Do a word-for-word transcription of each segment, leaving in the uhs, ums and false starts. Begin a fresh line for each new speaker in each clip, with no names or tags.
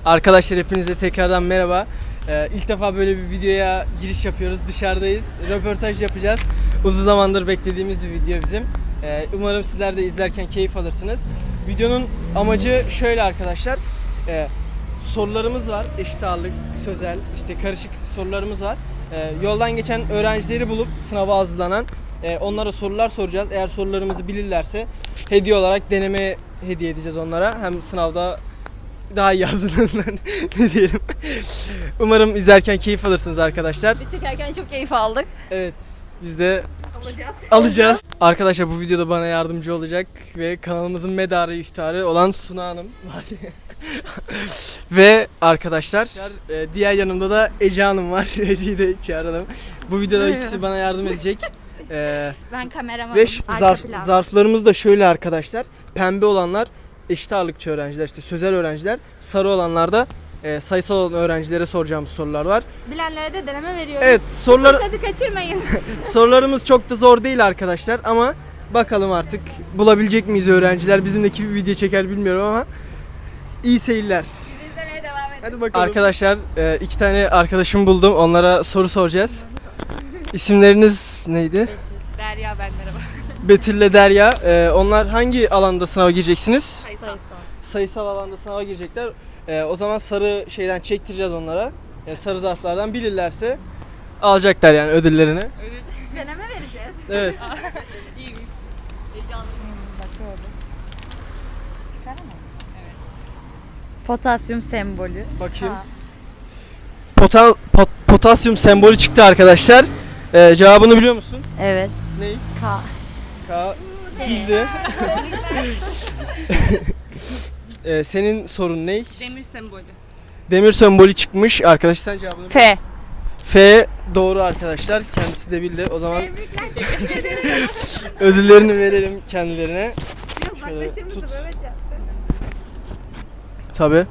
Arkadaşlar hepinize tekrardan merhaba. Ee, ilk defa böyle bir videoya giriş yapıyoruz. Dışarıdayız. Röportaj yapacağız. Uzun zamandır beklediğimiz bir video bizim. Ee, umarım sizler de izlerken keyif alırsınız. Videonun amacı şöyle arkadaşlar. Ee, sorularımız var. Eşit ağırlık, sözel, işte karışık sorularımız var. Ee, yoldan geçen öğrencileri bulup sınava hazırlanan e, onlara sorular soracağız. Eğer sorularımızı bilirlerse hediye olarak deneme hediye edeceğiz onlara. Hem sınavda daha iyi hazırlanırlar ne diyelim. Umarım izlerken keyif alırsınız arkadaşlar.
Biz çekerken çok keyif aldık.
Evet, biz de
Alacağız.
alacağız. Arkadaşlar bu videoda bana yardımcı olacak ve kanalımızın medarı iftiharı olan Suna Hanım var. Ve arkadaşlar diğer yanımda da Ece Hanım var. Ece'yi de çağıralım. Bu videoda ikisi bana yardım edecek. Ee,
Ben kameramanım.
ve zarf, zarflarımız da şöyle arkadaşlar. Pembe olanlar eşit ağırlıkçı öğrenciler, işte sözel öğrenciler. Sarı olanlar da e, sayısal olan öğrencilere soracağımız sorular var.
Bilenlere de deneme veriyoruz.
Evet, sorular
Hadi kaçırmayın.
sorularımız çok da zor değil arkadaşlar ama bakalım artık bulabilecek miyiz öğrenciler? Bizimdeki bir video çeker bilmiyorum ama iyi seyirler.
Biz izlemeye devam edelim.
Hadi bakalım. Arkadaşlar e, iki tane arkadaşım buldum. Onlara soru soracağız. İsimleriniz neydi?
Derya ben merhaba.
Betül ile Derya. E, onlar hangi alanda sınava gireceksiniz?
Sayısal.
Sayısal alanda sınava girecekler. Ee, o zaman sarı şeyden çektireceğiz onlara. Yani sarı zarflardan bilirlerse alacaklar yani ödüllerini.
Deneme vereceğiz.
Evet.
İyiymiş. Heyecanlıyız.
Bakıyoruz. Çıkar mı?
Potasyum sembolü.
Bakayım. Pota, pot, potasyum sembolü çıktı arkadaşlar. Ee, cevabını biliyor musun?
Evet.
Ney?
K.
K. Bildi. ee, senin sorun ne?
Demir sembolü.
Demir sembolü çıkmış. Arkadaş sen cevabını
F.
F doğru arkadaşlar. Kendisi de bildi. O zaman ödüllerini verelim kendilerine. Şöyle tut. Tabii.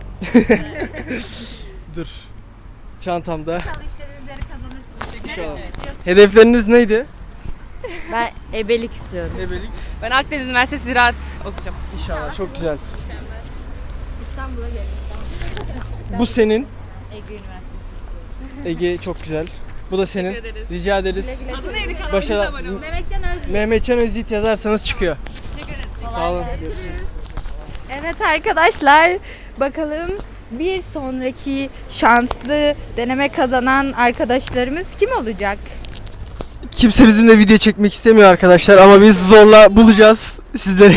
Dur. Çantamda.
Çalıştığınızları kazanırsınız.
İnşallah. Hedefleriniz neydi?
Ben ebelik istiyorum.
Ebelik.
Ben Akdeniz Üniversitesi Ziraat okuyacağım.
İnşallah çok güzel.
İstanbul'a gelin.
Bu senin.
Ege Üniversitesi istiyorum.
Ege çok güzel. Bu da senin.
Teşekkür ederiz.
Rica ederiz.
Adı neydi kanalımıza
Başarı.
abone olun.
Mehmetcan Özgür.
Mehmetcan Özyiğit yazarsanız çıkıyor.
Teşekkür ederiz.
Sağ olun. Görüşürüz.
Evet arkadaşlar, bakalım bir sonraki şanslı deneme kazanan arkadaşlarımız kim olacak?
Kimse bizimle video çekmek istemiyor arkadaşlar ama biz zorla bulacağız sizleri.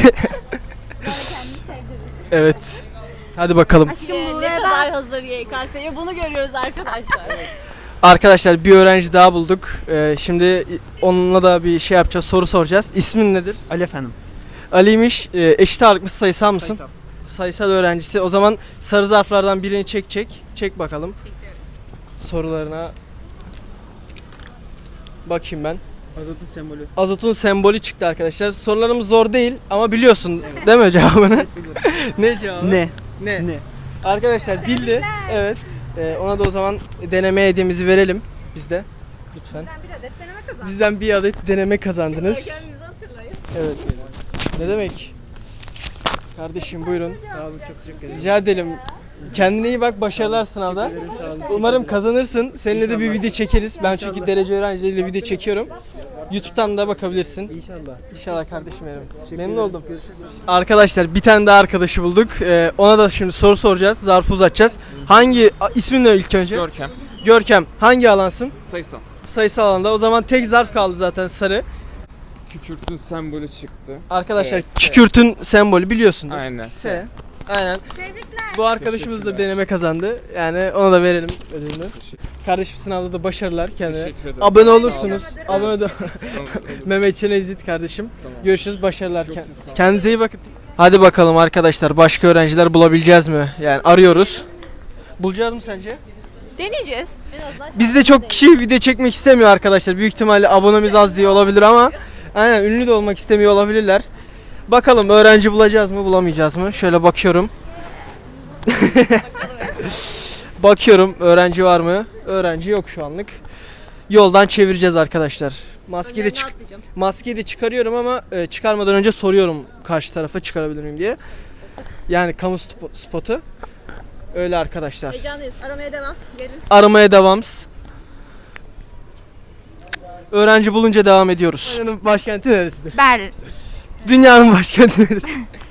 Evet. Hadi bakalım.
Aşkım
Ee,
bu
ne
ve
kadar
ben.
hazır Y K S'ye bunu görüyoruz arkadaşlar.
Arkadaşlar bir öğrenci daha bulduk. Ee, şimdi onunla da bir şey yapacağız, soru soracağız. İsmin nedir?
Ali efendim.
Ali'ymiş. Ee, eşit ağırlık mısın, sayısal mısın?
Sayısal.
Sayısal öğrencisi. O zaman sarı zarflardan birini çek çek. Çek bakalım
Bekliyoruz.
sorularına. Bakayım ben.
Azotun sembolü.
Azotun sembolü çıktı arkadaşlar. Sorularımız zor değil ama biliyorsun değil mi cevabını? Ne cevabı?
Ne?
Ne?
Ne?
Arkadaşlar bildi. Evet. Ee, ona da o zaman deneme hediyemizi verelim biz de. Lütfen.
Ben bir adet deneme kazandım.
Bizden bir adet deneme kazandınız.
Kendinizi hatırlayın.
Evet. Ne demek? Kardeşim buyurun.
Sağ olun, çok teşekkür ederim.
Rica edelim. Kendine iyi bak, başarılar sınavda. Umarım kazanırsın. Seninle de bir video çekeriz. Ben çünkü derece öğrencileriyle video çekiyorum. YouTube'dan da bakabilirsin.
İnşallah.
İnşallah kardeşim benim. Memnun oldum. Arkadaşlar bir tane daha arkadaşı bulduk. Ee, ona da şimdi soru soracağız. Zarfı uzatacağız. Hangi a- ismin ne ilk önce?
Görkem.
Görkem. Hangi alansın?
Sayısal.
Sayısal alanda. O zaman tek zarf kaldı zaten, sarı.
Kükürtün sembolü çıktı.
Arkadaşlar
Evet, S.
kükürtün sembolü biliyorsun.
Aynen.
S. Aynen.
Tebrikler.
Bu arkadaşımız da
Teşekkürler.
deneme kazandı. Yani ona da verelim ödülünü. Kardeşim sınavda da başarılar kendine.
Teşekkür ederim.
Abone olursunuz.
Sağ olun.
Abone de
Tamam, olur.
Mehmetcan Ezit kardeşim.
Tamam.
Görüşürüz, başarılar.
Çok
Kend-
sağ olun.
Kendinize iyi bakın. Hadi bakalım arkadaşlar, başka öğrenciler bulabileceğiz mi? Yani arıyoruz. Bulacağız mı sence?
Deneyeceğiz. Biraz daha
Bizde çok kişi video çekmek istemiyor arkadaşlar. Büyük ihtimalle abonemiz az diye olabilir ama aynen ünlü de olmak istemiyor olabilirler. Bakalım öğrenci bulacağız mı, bulamayacağız mı? Şöyle bakıyorum. Bakıyorum öğrenci var mı? Öğrenci yok şu anlık. Yoldan çevireceğiz arkadaşlar. Maskeyi de çık
atlayacağım.
maskeyi de çıkarıyorum ama e, çıkarmadan önce soruyorum karşı tarafa çıkarabilir miyim diye. Yani kamu spo- spotu. Öyle arkadaşlar.
Heyecanlıyız. Aramaya devam. Gelin.
Aramaya devamız. Öğrenci bulunca devam ediyoruz. Dünyanın başkenti neresidir?
Berlin.
Dünyanın başkenti neresi?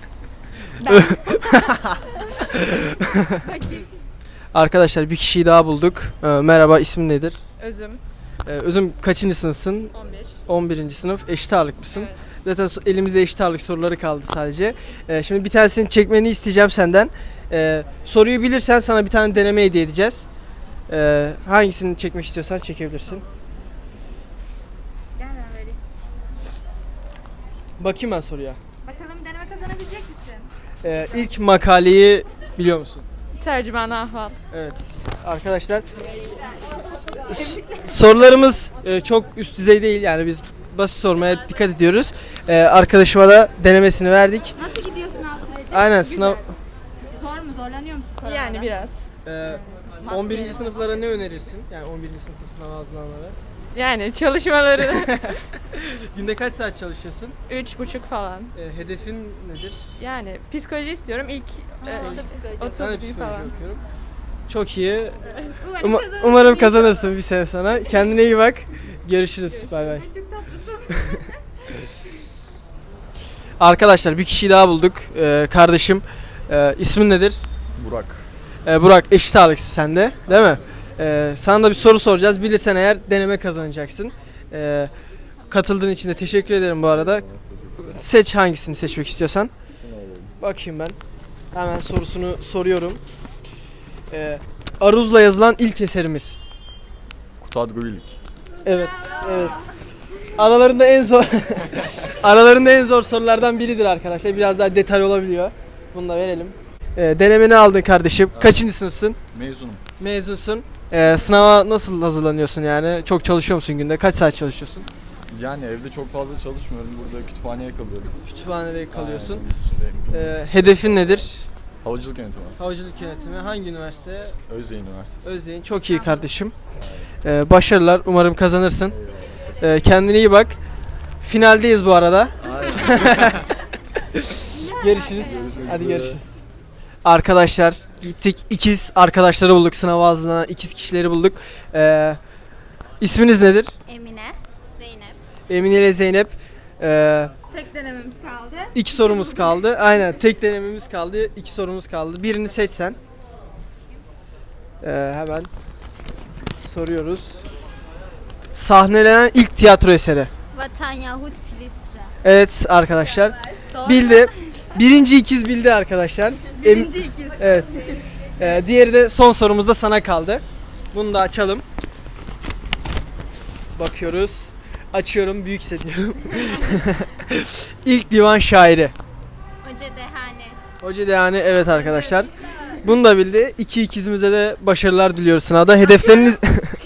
Arkadaşlar bir kişiyi daha bulduk. Ee, merhaba, ismin nedir?
Özüm.
Ee, Özüm kaçıncı sınıfsın?
on bir.
on birinci sınıf. Eşit ağırlık mısın?
Evet.
Zaten so- elimizde eşit ağırlık soruları kaldı sadece. Ee, şimdi bir tanesini çekmeni isteyeceğim senden. Ee, soruyu bilirsen sana bir tane deneme hediye edeceğiz. Ee, hangisini çekmek istiyorsan çekebilirsin.
Gel ben vereyim.
Bakayım ben soruya.
Bakalım deneme kazanabilecek misin?
Ee, ilk makaleyi biliyor musun?
Tercüman ahval.
Evet arkadaşlar, s- sorularımız e, çok üst düzey değil, yani biz basit sormaya dikkat ediyoruz. Ee, arkadaşıma da denemesini verdik.
Nasıl gidiyor sınav süreci?
Aynen sınav.
Zor mu? Zorlanıyor musun koronada?
Yani biraz.
Ee, on birinci sınıflara ne önerirsin? Yani on birinci sınıfta sınava hazırlananlara.
Yani çalışmaları
Günde kaç saat çalışıyorsun?
üç buçuk falan.
Ee, hedefin nedir?
Yani psikoloji istiyorum. İlk e, otuz
Ben de
bin
psikoloji
falan.
okuyorum. Çok iyi.
Umarım
Uma-
kazanırsın.
umarım kazanırsın bir sene sonra. Kendine iyi bak. Görüşürüz. Bay bay. Arkadaşlar bir kişiyi daha bulduk. Ee, kardeşim. Ee, ismin nedir?
Burak.
Ee, Burak, eşit ağırlıksın sen de, değil mi? Ee, sana da bir soru soracağız. Bilirsen eğer deneme kazanacaksın. Ee, katıldığın için de teşekkür ederim bu arada. Seç hangisini seçmek istiyorsan. Bakayım ben. Hemen sorusunu soruyorum. Ee, Aruz'la yazılan ilk eserimiz.
Kutadgülük.
Evet, evet. Aralarında en zor aralarında en zor sorulardan biridir arkadaşlar. Biraz daha detay olabiliyor. Bunu da verelim. Ee, denemeni aldın kardeşim. Kaçıncı sınıfsın?
Mezunum.
Mezunsun. Ee, sınava nasıl hazırlanıyorsun yani? Çok çalışıyor musun günde? Kaç saat çalışıyorsun?
Yani evde çok fazla çalışmıyorum. Burada kütüphaneye kalıyorum.
Kütüphanede kalıyorsun.
Aynen, işte,
Ee, hedefin nedir?
havacılık yönetimi.
Havacılık yönetimi. Hangi üniversite?
Özyeğin Üniversitesi.
Özyeğin. Çok iyi kardeşim. Ee, başarılar. Umarım kazanırsın. Ee, kendine iyi bak. Finaldeyiz bu arada. Görüşürüz. Hadi görüşürüz. Arkadaşlar gittik, ikiz arkadaşları bulduk, sınava hazırlanan ikiz kişileri bulduk. Ee, isminiz nedir?
Emine, Zeynep.
Emine ile Zeynep. Ee,
Tek denememiz kaldı.
iki sorumuz kaldı. Aynen, tek denememiz kaldı. İki sorumuz kaldı. Birini seç sen. Ee, hemen soruyoruz. Sahnelenen ilk tiyatro eseri.
Vatan Yahut Silistra.
Evet arkadaşlar.
Doğru.
Bildi. Birinci ikiz bildi arkadaşlar.
Birinci ikiz.
Evet. Ee, diğeri de son sorumuz da sana kaldı. Bunu da açalım. Bakıyoruz. Açıyorum. Büyük hissediyorum. İlk divan şairi.
Hoca Dehane.
Hoca yani, evet arkadaşlar. Bunu da bildi. İki ikizimize de başarılar diliyoruz sınavda. Hedefleriniz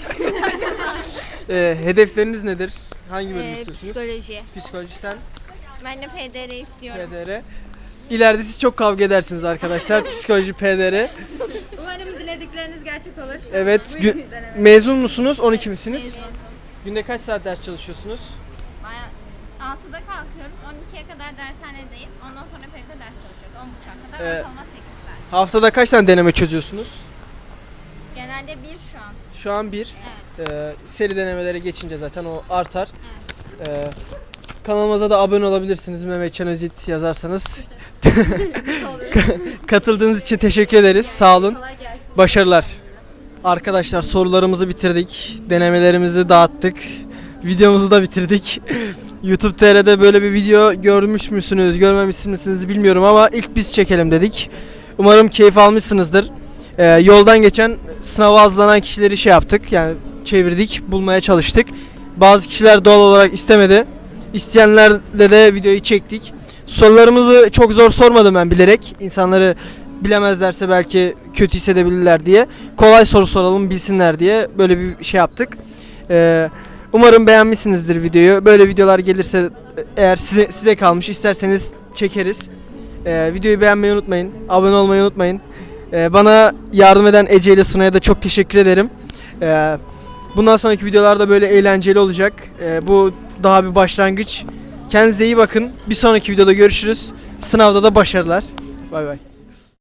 Ee, hedefleriniz nedir? Hangi bölüm
Ee,
istiyorsunuz?
psikoloji.
Psikoloji sen.
Ben de P D R istiyorum.
P D R. İleride siz çok kavga edersiniz arkadaşlar. Psikoloji, P D R.
Umarım diledikleriniz gerçek olur.
Evet.
Buyurun
Gü-
deneme.
mezun musunuz? on iki misiniz?
Mezun.
Günde kaç saat ders çalışıyorsunuz?
Baya- altıda kalkıyoruz. on ikiye kadar dershanedeyiz. Ondan sonra P D'de ders çalışıyoruz. on buçuğa kadar.
Ee,
Ortalama sekiz saat.
Haftada kaç tane deneme çözüyorsunuz?
Genelde bir şu an.
Şu an bir.
Evet.
Ee, seri denemelere geçince zaten o artar. Ee, kanalımıza da abone olabilirsiniz. Mehmetcan Özit yazarsanız. Katıldığınız için teşekkür ederiz. Sağ olun.
Kolay gelsin.
Başarılar. Arkadaşlar sorularımızı bitirdik. Denemelerimizi dağıttık. Videomuzu da bitirdik. YouTube T R'de böyle bir video görmüş müsünüz, görmemiş misiniz bilmiyorum ama ilk biz çekelim dedik. Umarım keyif almışsınızdır. Ee, yoldan geçen sınava hazırlanan kişileri şey yaptık, yani çevirdik, bulmaya çalıştık. Bazı kişiler doğal olarak istemedi. İsteyenlerle de videoyu çektik. Sorularımızı çok zor sormadım ben bilerek. İnsanları bilemezlerse belki kötü hissedebilirler diye. Kolay soru soralım, bilsinler diye böyle bir şey yaptık. Ee, umarım beğenmişsinizdir videoyu. Böyle videolar gelirse eğer size, size kalmış, isterseniz çekeriz. Ee, videoyu beğenmeyi unutmayın. Abone olmayı unutmayın. Ee, bana yardım eden Ece ile Sunay'a da çok teşekkür ederim. Ee, bundan sonraki videolarda böyle eğlenceli olacak. Ee, bu daha bir başlangıç. Kendinize iyi bakın. Bir sonraki videoda görüşürüz. Sınavda da başarılar. Bay bay.